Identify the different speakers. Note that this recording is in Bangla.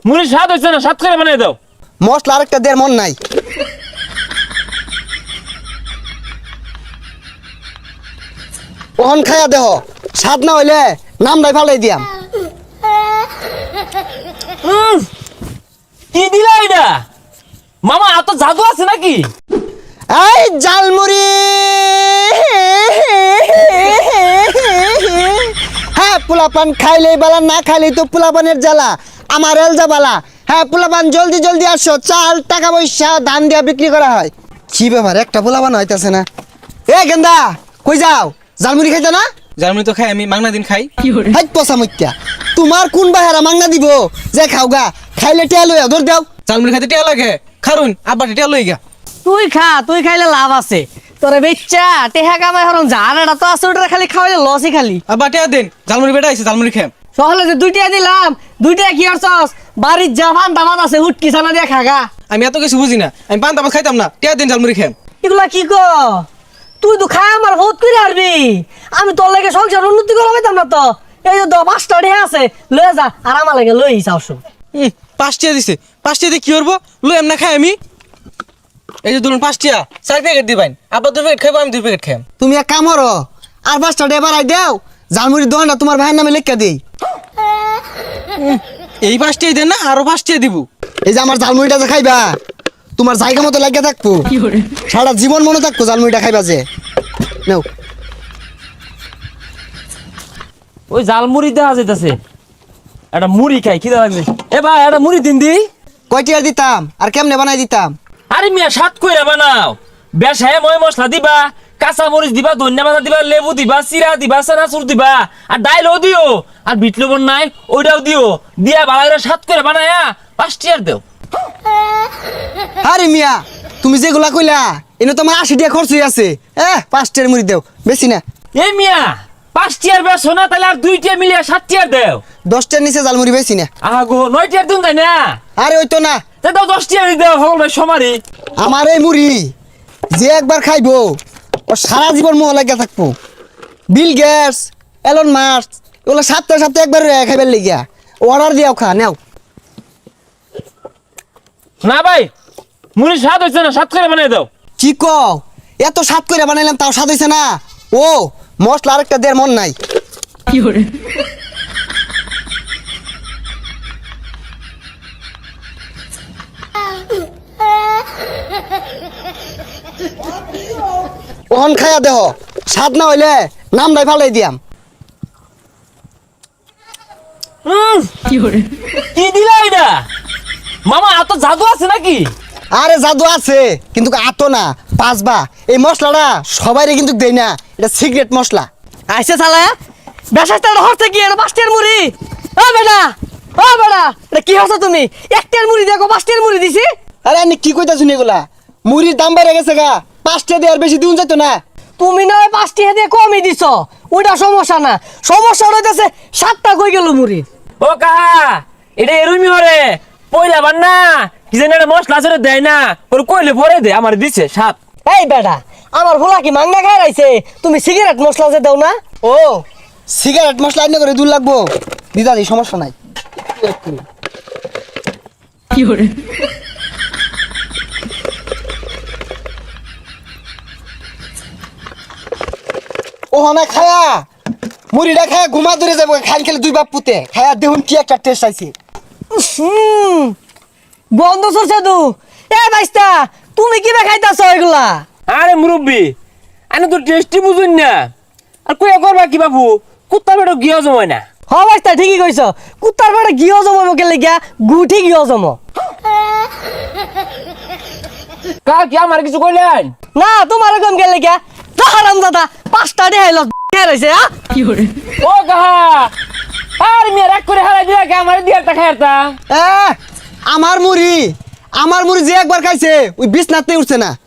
Speaker 1: মুড়ি স্বাদ হচ্ছে না, স্বাদ করে বানিয়ে দাও।
Speaker 2: মশলা আরেকটা দেড় মন নাই। ওহন খায়া দেহ, স্বাদ না হইলে নামটাই ফালাই দিয়াম।
Speaker 1: কি দিলা এটা মামা? এত জাদু আছে নাকি?
Speaker 2: এই জালমুড়ি, হ্যাঁ পোলাপান খাইলেই বালা, না খাইলেই তো পোলাপানের জ্বালা। আমার এলজা বালা। হ্যাঁ পোলাপান জলদি জলদি আসো, চাল টাকা পয়সা ধান দিয়া বিক্রি করা হয়। কি ব্যাপার, একটা পোলাপান হইতাছে না। এ গেন্দা কই যাও? জালমুড়ি খাইতো না?
Speaker 3: জালমুড়ি তো খাই আমি, মাংনা দিন খাই।
Speaker 2: হাই পচা মত্যা, তোমার কোন বাহারা মাংনা দিব যে খাওগা? খাইলে টেয়া লইয়া ধর দেও।
Speaker 3: জালমুড়ি খাইতে টিয়া লাগে, খারুন আব্বা টিয়া লই গা।
Speaker 4: তুই খা, তুই খাইলে লাভ আছে। তোরে বেচ্চা টেহা কামাই হরম জানাটা তো আছে, ওটা খালি খাওয়াইলে লসই খালি।
Speaker 3: আব্বা টিয়া দেন, জালমুড়ি বেটা আইছে, জালমুড়ি খাম।
Speaker 4: সহলে যে দুইটা দিলাম, দুইটা কি করছস? বাড়ির জামান দামাত আছে, হুটকি ছানা দিয়ে খাগা।
Speaker 3: আমি এত কিছু বুঝি না, আমি পান তামাক খাইতাম না। টিয়া দেন, জালমুড়ি খাম।
Speaker 4: এগুলা কি কো? তুই তো খাই আমার বহুত করে আরবি। আমি তোর লাগে সংসার উন্নতি করা পাইতাম না তো। এই যে 5টা ঢে আছে, লয়ে যা আর আমার লাগে লই যাওছো।
Speaker 3: 5 টিয়া দিছে, 5 টিয়া দিয়ে কি করবো? লই এমনা খাই আমি। এই যে ধরুন 5 টিয়া, 4 প্যাকেট দিবেন। আব্বা 2 প্যাকেট খাইবো, আমি 2 প্যাকেট খাম।
Speaker 2: তুমি এক কাম করো, আর 5টা ডে বাড়াই দেও, জালমুড়ির দোকানটা তোমার ভাইয়ের নামে লেখা দেই।
Speaker 3: এই 5 টিয়া দেন না, আরো 5 টিয়া দিব।
Speaker 2: এই যে আমার জালমুড়িটা যে খাইবা, তোমার জায়গা মতো লাগিয়ে থাকবো, সারা জীবন মনে থাকবো জালমুড়িটা খাইবা যে। নাও।
Speaker 1: ওই জাল মুড়ি দেওয়া যাইতেছে, একটা মুড়ি খাই, খিদা লাগছে। এ ভাই একটা মুড়ি দিন দি।
Speaker 2: কয়টি আর দিতাম আর কেমনে বানাই দিতাম?
Speaker 1: আরে মিয়া স্বাদ কইরা বানাও। বেশায় ময় মশলা দিবা, কাঁচা মরিচ দিবা, ধনিয়া পাতা দিবা, লেবু দিবা, চিরা দিবা, চানাচুর দিবা, আর ডাইলও দিও, আর বিট লবণ নাই ওইটাও দিও, দিয়া ভালো করে স্বাদ করে বানায়া 5 টিয়ার দেও।
Speaker 2: আরে মিয়া, তুমি যেগুলা কইলা এনে তোমার 80 টাকা খরচ হয়ে আছে। 5টার মুড়ি দেও, বেশি না।
Speaker 1: এই মিয়া 5 টিয়ার বেশো না, তাহলে আর 2 টিয়া মিলিয়ে 7 টিয়ার দেও।
Speaker 2: 10টার নিচে জালমুড়ি বেশি না।
Speaker 1: আগো 9 টিয়ার দিন তাই না?
Speaker 2: আরে ওই তো না,
Speaker 1: তাই দাও 10 টিয়ার দেও, সকল ভাই সমারি।
Speaker 2: আমার এই মুড়ি যে একবার খাইবো ও সারা জীবন মোহ লাগিয়া থাকবো। বিল গেটস, এলন মাস্ক ওগুলো সপ্তাহে সপ্তাহে একবার খাইবার লেগিয়া অর্ডার দিয়াও খা নেও।
Speaker 1: না ভাই মুড়ি স্বাদ হচ্ছে না, স্বাদ করে বানিয়ে দাও।
Speaker 2: কি কও? এত স্বাদ করে বানাইলাম তাও স্বাদ হইছে না? ও মশলা আরেকটা দেড় মন নাই। ওহন খায়া দেহ, স্বাদ না হইলে নামটাই ফালাই দিয়াম।
Speaker 1: কি দিলা এটা মামা? এত জাদু আছে নাকি?
Speaker 2: আরে জাদু আছে, কিন্তু আতো না পাঁচবা। এই মশলাটা সবাইরে কিন্তু দেই না, এটা সিক্রেট মশলা।
Speaker 4: আইসে শালা, বেশাইতে হরছে কি? এটা 5টার মুড়ি। ও বেটা, ও বেটা, এটা কি হচ্ছে তুমি? 1টার মুড়ি দেখো 5টার মুড়ি দিছি।
Speaker 2: আরে আমি কি কইতা শুনি এগুলা? মুড়ির দাম বেড়ে গেছে গা, 5টা দিয়ে আর বেশি দিন যেত না।
Speaker 4: তুমি না 5টা দিয়ে কমই দিছ, ওইটা সমস্যা না। সমস্যা হইতেছে 7টা কই গেল মুড়ি।
Speaker 1: ও কাহা এটা এরুমি হরে পয়লা বান না, কি জানি একটা মশলা আছে দেয় না, ওর কইলে পরে দে, আমার দিছে সাত।
Speaker 4: এই বেটা, আমার ভোলা কি মাংনা খাই রাইছে? তুমি সিগারেট মশলা যে দাও না?
Speaker 2: ও সিগারেট মশলা আইনে করে দূর লাগবো, দিদা দি সমস্যা নাই। ও না খায়া মুড়িটা খায়া ঘুমা ধরে যাবো, খাই খেলে 2 বাপ পুতে খায়া দেখুন কি একটা টেস্ট আইছে।
Speaker 4: বন্ধ করছে তু। এ ভাইস্তা, তুমি কি খাইতাছ এগুলা?
Speaker 1: আরে মুরব্বি আমি তো টেস্টি বুঝুন না, আর কইয়া করবা কি বাবু? কুত্তার বেটা গিয়া জমায় না।
Speaker 4: হ ভাইস্তা ঠিকই কইছ, কুত্তার বেটা গিয়ে জমাবো কেলে গিয়া, গুঠি গিয়ে জমো
Speaker 1: কা কি আমার কিছু কইলেন
Speaker 4: না। তোমার কম গেলে গিয়া হারাম দাদা 5টা দিয়ে হাইল রয়েছে।
Speaker 1: ও কাহা আর মেয়ে রাগ করে হারাই দিয়া কে আমার দিয়া একটা খাইতা।
Speaker 2: আমার মুড়ি যে একবার খাইছে ওই বিছনাতে উঠছে না।